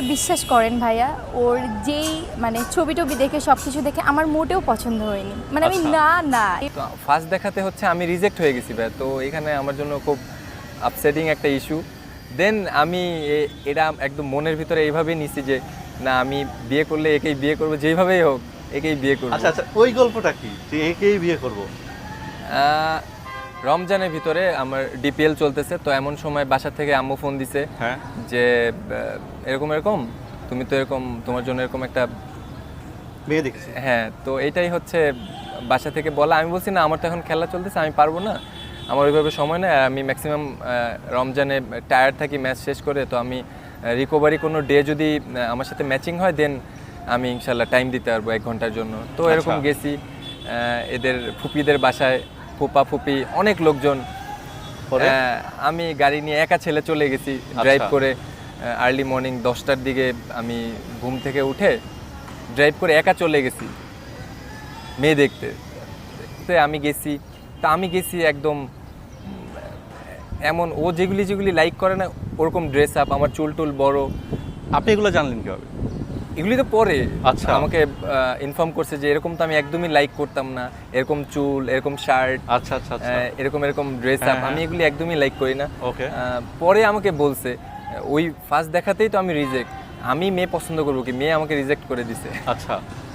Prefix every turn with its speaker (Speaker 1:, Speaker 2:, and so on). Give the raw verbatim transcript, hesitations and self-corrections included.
Speaker 1: বিশ্বাস করেন ভাইয়া, ওর যেই মানে ছবি টবি দেখে সব কিছু দেখে আমার মোটেও পছন্দ হয়নি, মানে আমি
Speaker 2: আচ্ছা।
Speaker 1: না না
Speaker 3: ফার্স্ট দেখাতে হচ্ছে আমি রিজেক্ট হয়ে গেছি ভাই, তো এখানে আমার জন্য খুব আপসেটিং একটা ইস্যু। দেন আমি এ- এটা একদম মনের ভিতরে এইভাবেই নিছি যে না, আমি বিয়ে করলে একেই বিয়ে করবো, যেইভাবেই হোক একেই বিয়ে করবো।
Speaker 2: আচ্ছা আচ্ছা, ওই গল্পটা কি যে একেই বিয়ে করব?
Speaker 3: আহ, রমজানের ভিতরে আমার ডিপিএল চলতেছে, তো এমন সময় বাসা থেকে আম্মু ফোন দিছে
Speaker 2: হ্যাঁ।
Speaker 3: যে আহ, এরকম এরকম তুমি তো এরকম, তোমার জন্য এরকম একটা,
Speaker 2: মেয়ে দেখেছি।
Speaker 3: হ্যাঁ, তো এটাই হচ্ছে বাসা থেকে বলা। আমি বলছি না, আমার তো এখন খেলা চলতেছে, আমি পারবো না, আমার ওইভাবে সময় নেই। আর আমি ম্যাক্সিমাম রমজানে টায়ার্ড থাকি ম্যাচ শেষ করে, তো আমি রিকভারি কোনো ডে যদি আহ, আমার সাথে ম্যাচিং হয় দেন আমি ইনশাল্লাহ টাইম দিতে পারবো এক ঘন্টার জন্য। তো এরকম
Speaker 2: আচ্ছা।
Speaker 3: গেছি আহ, এদের ফুপিদের বাসায়, ফুপা ফুপি অনেক লোকজন।
Speaker 2: পরে?
Speaker 3: আহ, আমি গাড়ি নিয়ে একা ছেলে চলে গেছি ড্রাইভ করে, আর্লি মর্নিং দশটার দিকে আমি ঘুম থেকে উঠে ড্রাইভ করে একা চলে গেছি মেয়ে দেখতে। তো আমি গেছি, তা আমি গেছি একদম উম, এমন ও যেগুলি যেগুলি লাইক করে না ওরকম ড্রেস আপ, আমার চুল টুল বড়,
Speaker 2: আপনি এগুলো জানলেন কিভাবে?
Speaker 3: এগুলি তো পরে
Speaker 2: আচ্ছা।
Speaker 3: আমাকে ইনফর্ম করছে যে এরকম তো আমি একদমই লাইক করতাম না, এরকম চুল, এরকম শার্ট,
Speaker 2: আচ্ছা আচ্ছা আচ্ছা।
Speaker 3: এরকম এরকম ড্রেস আপ,
Speaker 2: হ্যাঁ, হ্যাঁ।
Speaker 3: আমি এগুলি একদমই লাইক করি না।
Speaker 2: ওকে।
Speaker 3: আহ, পরে আমাকে বলছে আহ, ওই ফার্স্ট দেখাতেই তো আমি রিজেক্ট, আমি মেয়ে পছন্দ করবো কি, মেয়ে আমাকে রিজেক্ট করে দিছে।
Speaker 2: আচ্ছা।